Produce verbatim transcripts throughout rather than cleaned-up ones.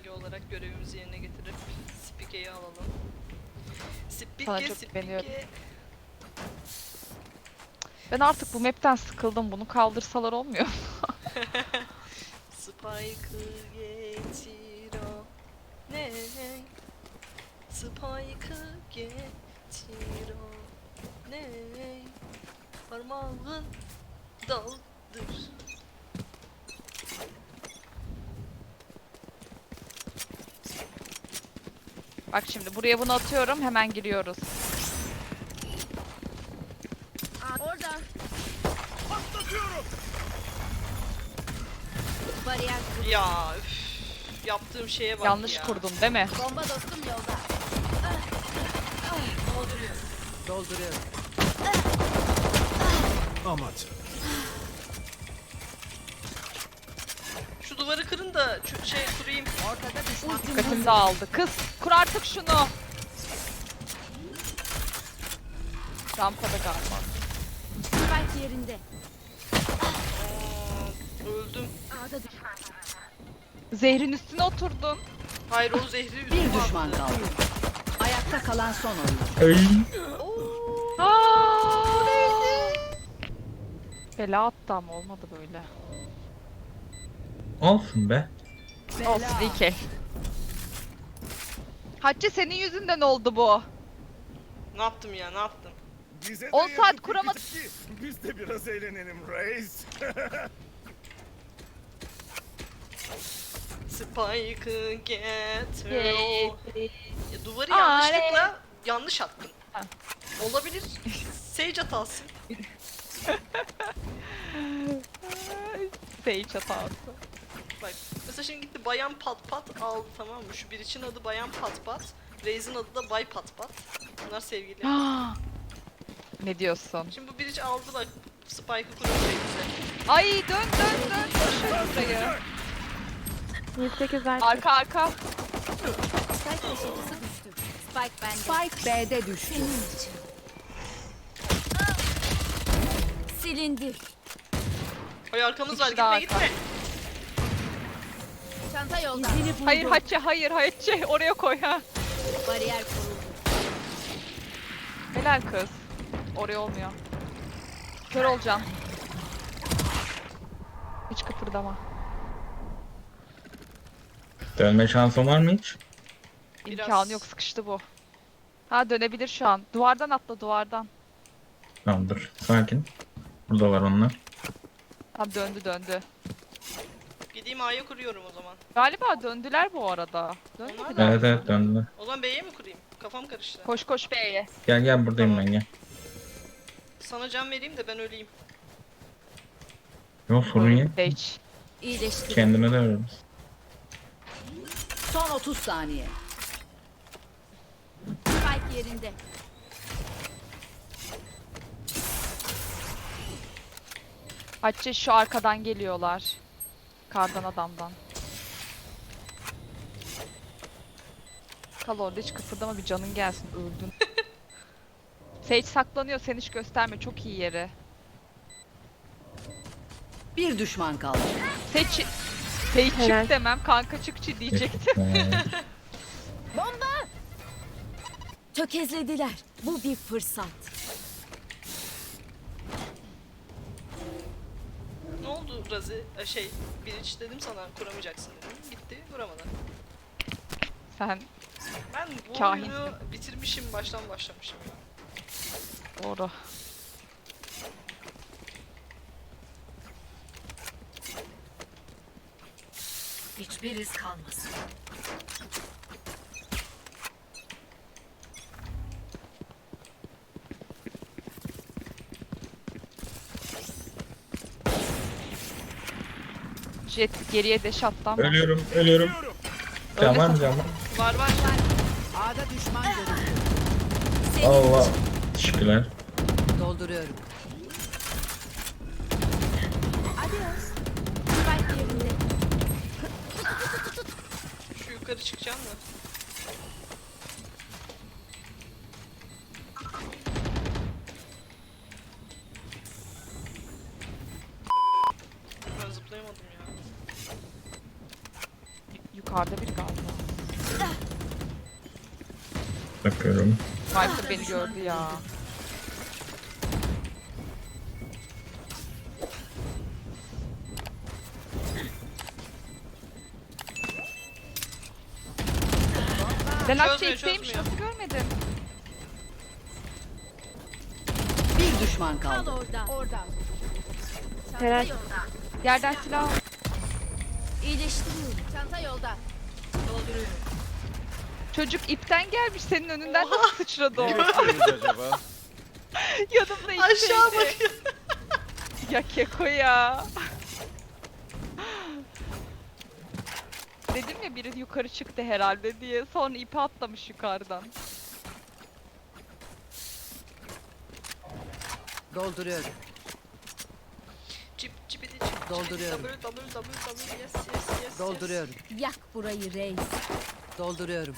simge olarak görevimizi yerine getirip Spike'yi alalım. Sana Spike, çok güveniyorum. Spike. Ben artık bu map'ten sıkıldım. Bunu kaldırsalar olmuyor. Spike'ı getir o. Ne? Spike'ı getir o. Ne? Parmağın daldır. Bak şimdi buraya bunu atıyorum. Hemen giriyoruz. Orada. Patlatıyorum. Bariyer kur. Ya üf, yaptığım şeye bak Yanlış ya. kurdum değil mi? Bomba dostum yolda. Dolduruyorum. Dolduruyorum. Amaç. Şu duvarı kırın da şu şey kurayım. Ortada düşman. Dikkatim dağıldı. Kız kur artık şunu. Rampada galiba. Spike yerinde. Aa, öldüm. A'da düşman. Zehrin üstüne oturdun. Hayır o zehri Bir üstüme düşman attı. kaldı. Ayakta kalan son oyun. Oo, Aa! Bela attı ama olmadı böyle. Olsun be. Olsun iyi ki. Hatice senin yüzünden oldu bu. ne yaptım ya ne yaptım? Bize on de saat yapıp kuramadık. gittik ki Biz de biraz eğlenelim reis. Spike'ı getir Yay. o. Ya, duvarı Aa, yanlışlıkla yanlış attım. Ha. Olabilir. Sage hatası. Sage hatası. Bak mesela şimdi gitti Bayan Pat Pat aldı, tamam mı? Şu bir için adı Bayan Pat Pat. Reis'in adı da Bay Pat Pat. Bunlar sevgili. Ne diyorsun? Şimdi bu biriç aldı bak Spike'ı kuruyor bize. Ay dön dön dön. Koşun burayı. yirmi sekiz artı. Arka arka. Spike taşıyıcısı düştü. Spike bende. Spike B'de düştü. Silindi. Ay arkamız var, İkisi de gitme arka. gitme. Çanta yolda. Hayır Hatice hayır Hatice oraya koy ha. Bariyer kuruldu. Helal kız. Oraya olmuyor. Kör olacağım. Hiç kıpırdama. Dönme şansın var mı hiç? Biraz- İmkanı yok, sıkıştı bu. Ha dönebilir şu an. Duvardan atla duvardan. Tamam dur. Sakin. Burada var onlar. Tamam döndü döndü. Gideyim A'ya kuruyorum o zaman. Galiba döndüler bu arada. Onlar Dönmediler. da- Evet evet döndüler. O zaman B'ye mi kurayım? Kafam karıştı. Koş koş B'ye. Gel gel buradayım Tamam. ben gel. Sana can vereyim de ben öleyim. Yok sorun yok. Sage. İyileşti. Kendime de veririz. Son otuz saniye. Spike yerinde. Hatice şu arkadan geliyorlar. Kardan adamdan. Kal orada hiç kıpırdama, bir canın gelsin, öldün. Sage saklanıyor, sen hiç gösterme, çok iyi yeri. Bir düşman kaldı. Sage, Sage Helal. çık demem, kanka çıkçı diyecektim. Ee, Tökezlediler. Bu bir fırsat. Ne oldu Razi? Ee, Şey, biriç dedim sana kuramayacaksın dedim. Gitti, kuramadı. Sen Ben bu Kahinsin. oyunu bitirmişim, baştan başlamışım ya. doğru. Hiçbir iz kalmasın. Jet geriye deş attı ama. ölüyorum ölüyorum. Can var mı can var? Var var. A'da düşman görüldü. Allah. Teşekkürler. Dolduruyorum. Adios. Spike yerinde. Şu yukarı çıkacağım da. Ben zıplayamadım ya. Yukarı Yukarıda biri galiba. Bakıyorum. Viper beni gördü ya. Ben Çözmüyor, Akçe'deymiş, çözmüyor. nasıl görmedim? Bir düşman Kal kaldı. orada. Orada. Çanta Helal. yolda. Yerden silah al. İyileştiriyorum. Çanta yolda. Çocuk ipten gelmiş, senin önünden nasıl sıçradı o? acaba? Yanımda ip Aşağı şeydi. bakıyor. Ya Keko ya. Dedim ya biri yukarı çıktı herhalde diye. Sonra ipi atlamış yukarıdan. Dolduruyorum. Cip cipidi cip cip. Dolduruyorum. W W W W yes yes yes. Dolduruyorum. Yak burayı reis. Dolduruyorum.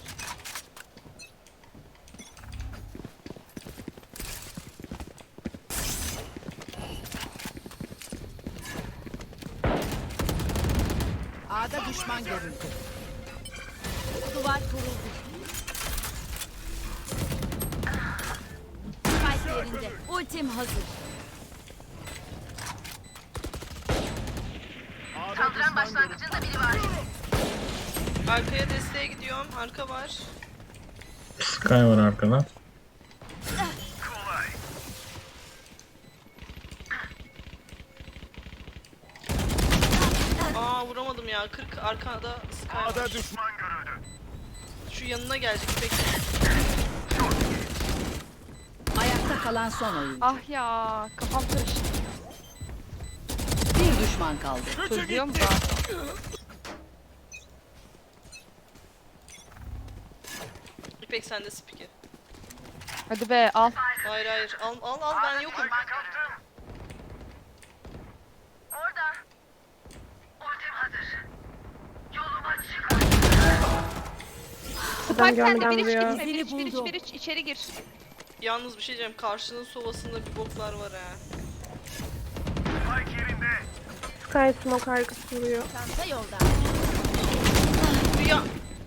A'da düşman görüldü. Duvar kuruldu. Spike yerinde. Ultim hazır. Arkaya desteğe gidiyorum. Arka var. Sky var arkada. Aa vuramadım ya. kırk arkada Sky var. A'da düşman görüldü. Şu yanına gelecek. Bekle. Ayakta kalan son oyun. Ah ya, kafam karıştı. Bir düşman kaldı. Çözüyor mu da? İpek sende spiki. Hadi be, al. Hayır hayır. Al al al ben yokum. Spike sende, görmeden bir iç vuruyor. gitme, bir iç, bir iç, buldum. bir iç, içeri gir. Yalnız bir şey diyeceğim. Karşının sovasında bir boklar var ha. Sky smoke arkası vuruyor. Çanta yolda. Ya.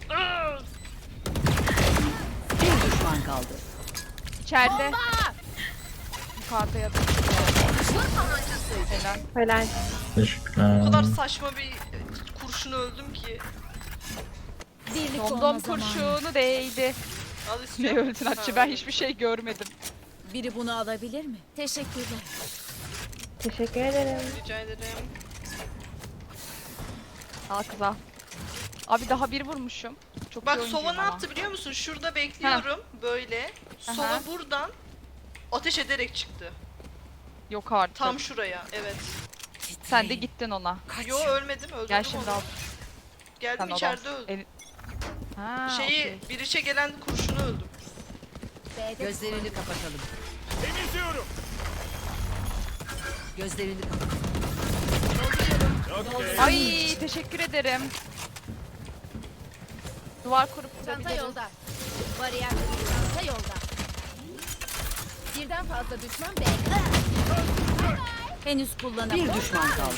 Bir düşman kaldı. İçeride. Yukarıda ya da. Helal. Helal. Teşekkürler. O kadar saçma bir kurşun öldüm ki. Birlik olma Domdom zamanı. kurşunu değdi. Al Ne istiyorum. öldün Ha, Hatice, ben öyle. hiçbir şey görmedim. Biri bunu alabilir mi? Teşekkürler. Teşekkür ederim. Rica ederim. Al kız al. Abi daha bir vurmuşum. Çok Bak iyi oyuncuyum Sova ne ama. yaptı biliyor musun? Şurada bekliyorum böyle. Sova Aha. buradan ateş ederek çıktı. Yok artık. Tam şuraya. Evet. Sen de gittin ona. Yo ölmedim. Öldürdüm Gel şimdi onu. al. Geldim Sen içeride olan. öldüm. El... Ha, Şeyi okey. bir içe gelen kurşunu öldüm. B'de Gözlerini kapatalım. Temizliyorum. Gözlerini kapatalım. Okey. Ay teşekkür ederim. Duvar kurup Çanta vurabiliriz. yolda. Bariyer kuruldu. Çanta yolda. Birden fazla düşman B'de. Henüz kullanamadım. Bir düşman kaldı.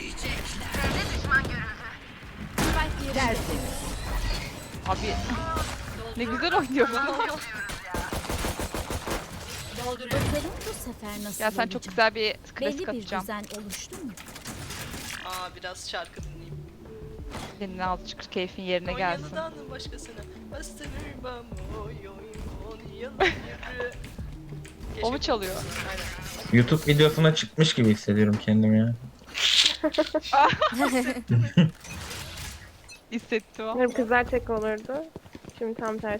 Spike yerinde. Tertemiz. Abi ne güzel oynuyor bu. Bakalım bu sefer nasıl Ya sen olacak? çok güzel bir Belli klasik bir atacağım. düzen oluştu mu? Aa biraz şarkı dinleyeyim. Senin azıcık keyfin yerine gelsin. Konya'dan başkasına bastırmam oy oy on yıl yürü. O mu Keşke- çalıyor? Aynen. YouTube videosuna çıkmış gibi hissediyorum kendimi ya. Hissettim o. Umarım kızlar tek olurdu. Şimdi tam tersi.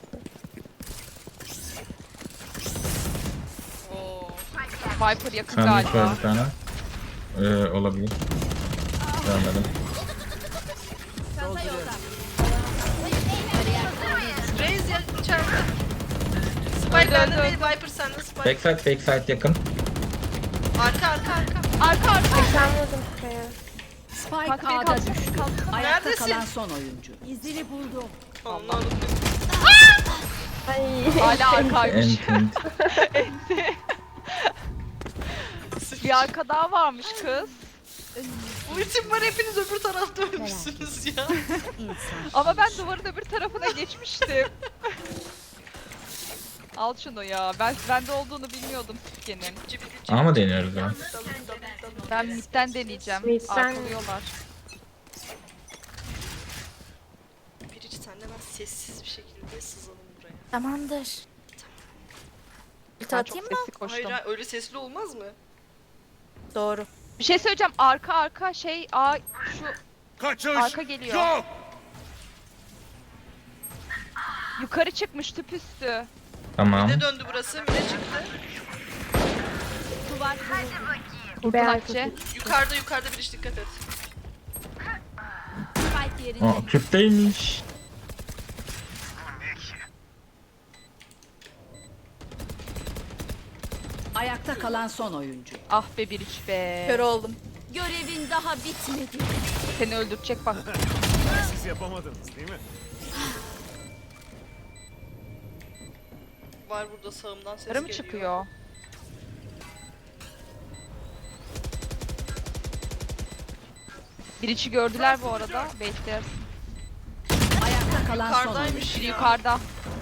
Oo. Viper yakın Sandık var galiba. bir tane. Ee, olabilir. Görmedim. Çanta yolda. Reis ya içeride. Spike Öldü, bende öldü, değil, Viper sende Spike. Backside backside yakın. Arka arka arka. Arka arka. Sen vurdum Sky'a. Spike Kanka beni A'da kaldır. düştü. Kaldır. Ayakta Neredesin? kalan son oyuncu. İzini buldum. Allah Allah. Ay. Hala arkaymış. Ent ent. Bir arka daha varmış kız. Ultim var, hepiniz öbür tarafta ölmüşsünüz ya. İnsan. Ama ben duvarın öbür tarafına geçmiştim. Al şunu ya. Ben bende olduğunu bilmiyordum Sike'nin. Ama deniyoruz ya. Ben midden deneyeceğim. Midden- Arkalıyorlar. Birici senle ben sessiz bir şekilde sızalım buraya. Tamamdır. Ben Atayım çok mı? sesli koştum. Hayır, hayır, öyle sesli olmaz mı? Doğru. Bir şey söyleyeceğim. Arka arka şey a şu Kaçış Arka geliyor. yok. yukarı çıkmış tüp üstü. Tamam. Ne döndü burası? Mine çıktı. Duvar kırıldı. Kurtun Beyaz Akçe. Yukarıda yukarıda bir iş, dikkat et. Spike yerinde. Aa, tüpteymiş. Ayakta kalan son oyuncu. Ah be bir iç be. Kör oldum. Görevin daha bitmedi. Seni öldürecek bak. Siz yapamadınız değil mi? Var burada sağımdan ses Yarım geliyor. çıkıyor. Bir içi gördüler bu arada. Bekler. Ayakta kalan son oyuncu. Yukarıdaymış Biri ya. yukarıda.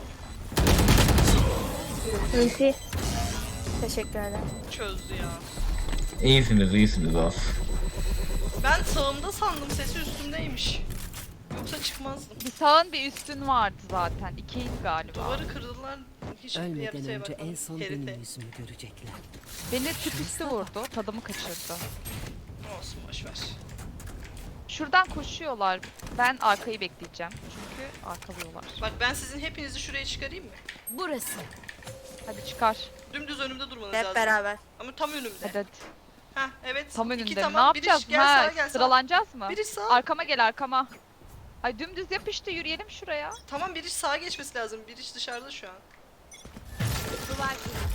Ulti. Teşekkür ederim. Çözdü ya. İyisiniz, iyisiniz of. Ben sağımda sandım, sesi üstümdeymiş. Yoksa çıkmazdım. Bir sağın bir üstün vardı zaten. İkiydi galiba. Duvarı kırdılar. Hiç Ölmeden haritaya önce bakmadım. en son Harita. benim yüzümü görecekler. Beni tüp üstü vurdu. Tadımı kaçırdı. Olsun, boşver. Şuradan koşuyorlar. Ben arkayı bekleyeceğim. Çünkü arkalıyorlar. Bak ben sizin hepinizi şuraya çıkarayım mı? Burası. Hadi çıkar. Dümdüz önümde durmanız Hep lazım. beraber. Ama tam önümde. Hadi hadi. Heh, evet. Tam İki önünde. tamam. Ne Biri yapacağız? gel Ha, sağa, gel sağa. sıralanacağız mı? Biri sağ. Arkama gel arkama. Ay dümdüz yapıştı yürüyelim şuraya. Tamam, biri sağa geçmesi lazım. Biri dışarıda şu an. Duvar kırıldı.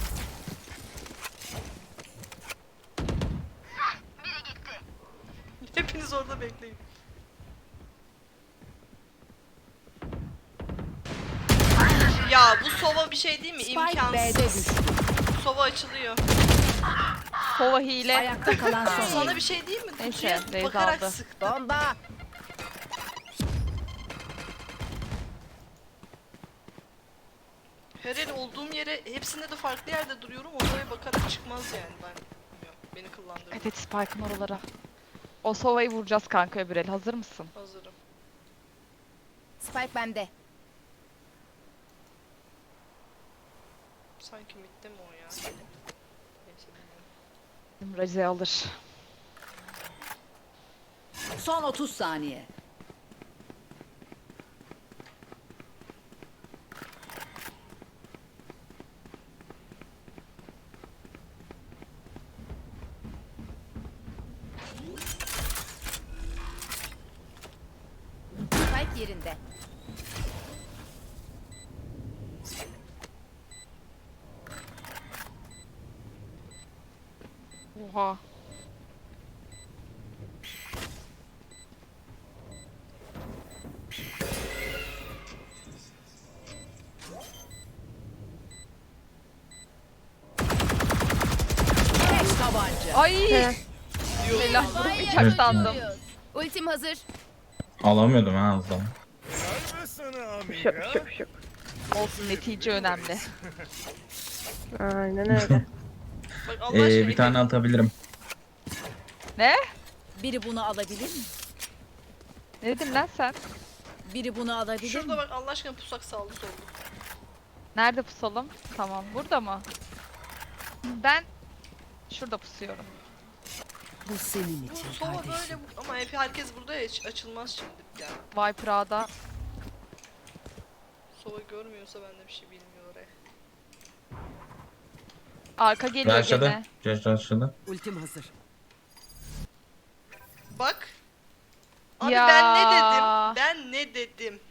Hepiniz orada bekleyin. Ya bu sova bir şey değil mi? Spike B'de İmkansız. düştü. Sova açılıyor. Kova hile. Ayakta kalan son Sana oyuncu. bir şey değil mi? Neyse, Kutuya Reis bakarak aldı. sıktı. Bomba. Her el olduğum yere, hepsinde de farklı yerde duruyorum. Oraya bakarak çıkmaz yani, ben bilmiyorum. Beni kullandırdı. Evet Spike'ın oralara. O sovayı vuracağız kanka öbür el. Hazır mısın? Hazırım. Spike bende. Sanki mitte mi o ya? Neyse, bilmiyorum. Bizim Raze alır. Son otuz saniye. Spike yerinde. Oha. Tek tabanca. Ay. He. Helal vurmayacak sandım. Ultim hazır. Alamıyordum ha az daha. Var mı sana Pışık amiga? pışık pışık. Olsun netice önemli. Aynen öyle. Bak Allah aşkına. Ee, bir tane atabilirim. Ne? Biri bunu alabilir mi? Ne dedin lan sen? Biri bunu alabilir mi? Şurada bak Allah aşkına, pusak sağlı sollu. Nerede pusalım? Tamam. Burada mı? Ben şurada pusuyorum. Bu senin Bu için sova böyle kardeşim. bu- ama hep herkes burada ya, hiç açılmaz şimdi yani. Viper A'da. Sova görmüyorsa ben de bir şey bilmiyor oraya. Arka geliyor Rushladı. gene. Josh rushladı. Ultim hazır. Bak. Abi Ya. ben ne dedim? Ben ne dedim?